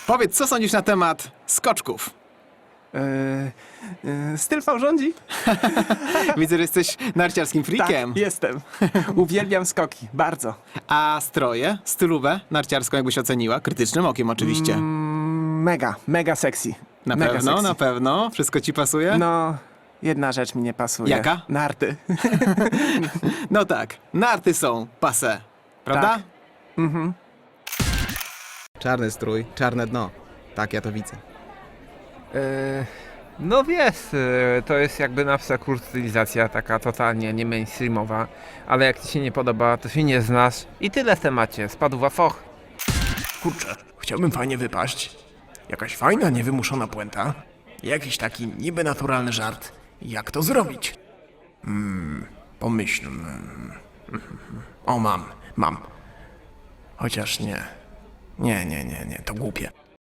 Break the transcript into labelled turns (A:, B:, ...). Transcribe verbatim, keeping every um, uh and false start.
A: Powiedz, co sądzisz na temat skoczków?
B: Yy, yy, styl V rządzi?
A: Widzę, że jesteś narciarskim freakiem.
B: Tak, jestem. Uwielbiam skoki, bardzo.
A: A stroje, stylówę narciarską jakbyś oceniła? Krytycznym okiem oczywiście.
B: Mm, mega, mega sexy.
A: na
B: mega
A: pewno,
B: sexy.
A: na pewno. Wszystko ci pasuje?
B: No, jedna rzecz mi nie pasuje.
A: Jaka?
B: Narty.
A: No tak, narty są passé, prawda?
B: Tak. Mhm.
A: Czarny strój, czarne dno. Tak, ja to widzę.
C: Yy, no wiesz, yy, to jest jakby na przykład stylizacja taka totalnie nie mainstreamowa, ale jak ci się nie podoba, to się nie znasz i tyle w temacie, spadł wafoch.
D: Kurczę, chciałbym fajnie wypaść. Jakaś fajna, niewymuszona puenta. Jakiś taki niby naturalny żart. Jak to zrobić? Hmm, pomyślmy. O, mam, mam. Chociaż nie. Nie, nie, nie, nie, to głupie.